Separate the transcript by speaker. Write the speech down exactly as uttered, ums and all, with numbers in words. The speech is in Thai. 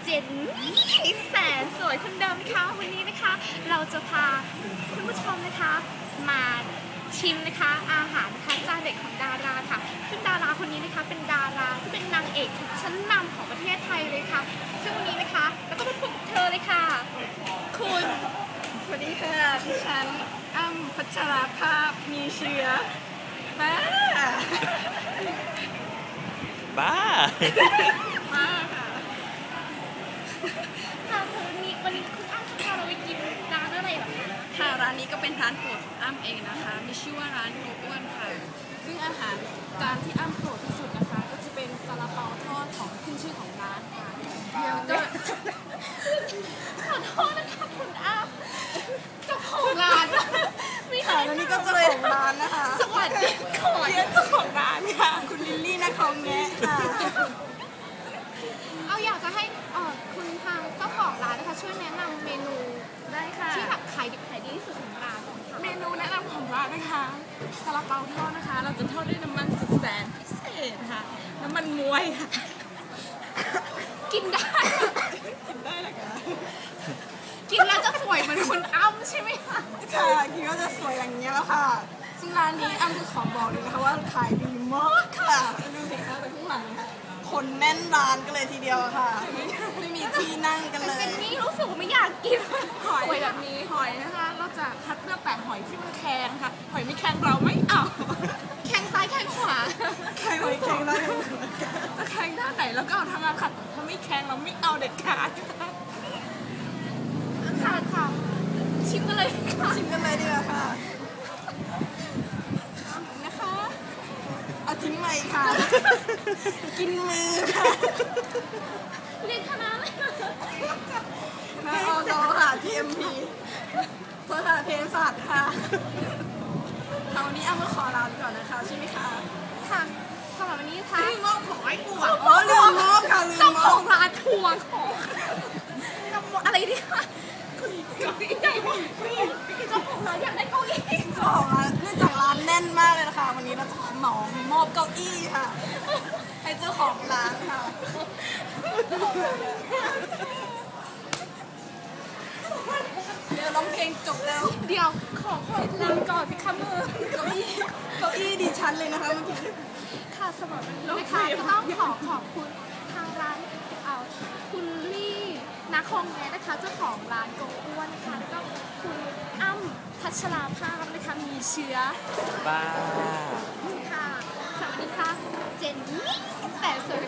Speaker 1: จนนี่แสนสวยคนเดิมค่ะวันนี้นะคะเราจะพาคุณผู้ชมนะคะมาชิมนะคะอาหารนะคะจานเด็ดของดาราค่ะซึ่งดาราคนนี้นะคะเป็นดาราที่เป็นนางเอกชั้นนำของประเทศไทยเลยค่ะซึ่งวันนี้นะคะเราก็มาพบกับเธอเลยค่ะคุณ
Speaker 2: สวัสดีค่ะดิฉันอ้ำพัชราภาพมีเชื้อบ้า
Speaker 3: บ้า
Speaker 2: บ้าค่ะ
Speaker 1: ค่ะวันนี้วันนี้คุณอ้ำจะพาเราไปกินร้านอะไรหรอคะ
Speaker 2: ค่ะร้านนี้ก็เป็นร้านโปรดของอ้ำเองนะคะมีชื่อว่าร้านโกอ้วนค่ะซึ่งอาหารจานที่อ้ำโปรดที่สุดนะคะก็จะเป็นซาลาเปาทอดของขึ้นชื่อของร้านค่ะเดี๋ยวก็
Speaker 1: ขอโทษนะคะคุณอ้ำเจ้าของร้าน
Speaker 2: ไม่ค่ะแล้วนี่ก็เจ้าของร้านนะคะ
Speaker 1: สวัสดีค่ะ
Speaker 2: เจ้าของร้านค่ะคุณลิลลี่นะคองแงะค่ะ
Speaker 1: เอาอยากจะให้คุณทางเจ้าของร้านนะคะช่วยแนะนำเมนู
Speaker 2: ได้ค่ะ
Speaker 1: ที่แบบขายดิบขายดีที่สุดของร้าน
Speaker 2: เมนูแนะนำของร้านนะคะซาลาเปาทอดนะคะเราจะทอดด้วยน้ำมันสุดแสนพิเศษค่ะน้ำมันมวยค่ะ
Speaker 1: กินได้
Speaker 2: กินได้เลยค่ะ
Speaker 1: กินแล้วจะสวยเหมือนคุณอ้ำใช่ไหมคะ
Speaker 2: ค่ะกินก็จะสวยอย่างนี้แล้วค่ะซึ่งร้านนี้อ้ำจะขอบอกเลยนะคะว่าขายดีมากค่ะดูสิคะแต่ข้างหลังค่ะคนแน่นร้านกันเลยทีเดียวค่ะไม่มีที่นั่งกันเลย
Speaker 1: เจนนี่รู้สึกว่าไม่อยากกิน
Speaker 2: หอยแบบนี้หอยนะคะเราจะคัดเลือกแต่หอยที่มันแข็งค่ะหอยไม่แข็งเราไม่เอา
Speaker 1: แข็งซ้ายแข็งขวา
Speaker 2: แข็งไม่แข็งเราจะแข็งด้านไหนแล้วก็เอาทางมาขัดถ้าไม่แข็งเราไม่เอาเด็ดขาด
Speaker 1: ค่ะค่ะชิมกันเลยค่ะ
Speaker 2: ชิมกันเลยดีกว่าค่ะนะคะเอาทิ้งใหม่ค่ะกินมือค่ะ
Speaker 1: เรียนคณะอะไร
Speaker 2: นะอโนค่ะ ที เอ็ม พี ภาษาเภสัชค่ะคราวนี้อ้ำก็ขอลาไปก่อนนะคะใช่ไหมคะ
Speaker 1: ค่ะสำหรับวันนี้ค่ะ
Speaker 2: ลืมมอบของให้กูอ่ะอ๋อลืมมอบค่ะลืมมอบ
Speaker 1: เจ้าของร้านทวงของอะไรดีคะคุณเก้าอี้เจ้าของร้านอยากได้เก้าอี้
Speaker 2: เจ้าของร้านเนื่องจากร้านแน่นมากเลยนะคะวันนี้เราจะเหมามอบเก้าอี้ค่ะให้เจ้าของร้านค่ะเดี๋ยวร้องเพลงจบแล้ว
Speaker 1: เดี๋ยวขอขอลาก่อนพี่คะมือ
Speaker 2: เก้าอี้เก้าอี้ดิฉันเลยนะคะเมื่อกี้
Speaker 1: ค่ะสำหรับวันนี้นะคะต้องขอขอบคุณทางร้านเอาคุณลี่นาคงแม่นะคะเจ้าของร้านโกอ้วนนะคะแล้วก็คุณอ้ำพัชราภาพนะคะมีเชื้อ
Speaker 3: บ้า
Speaker 1: ค่ะสวัสดีค่ะเจนนี่แต่สวย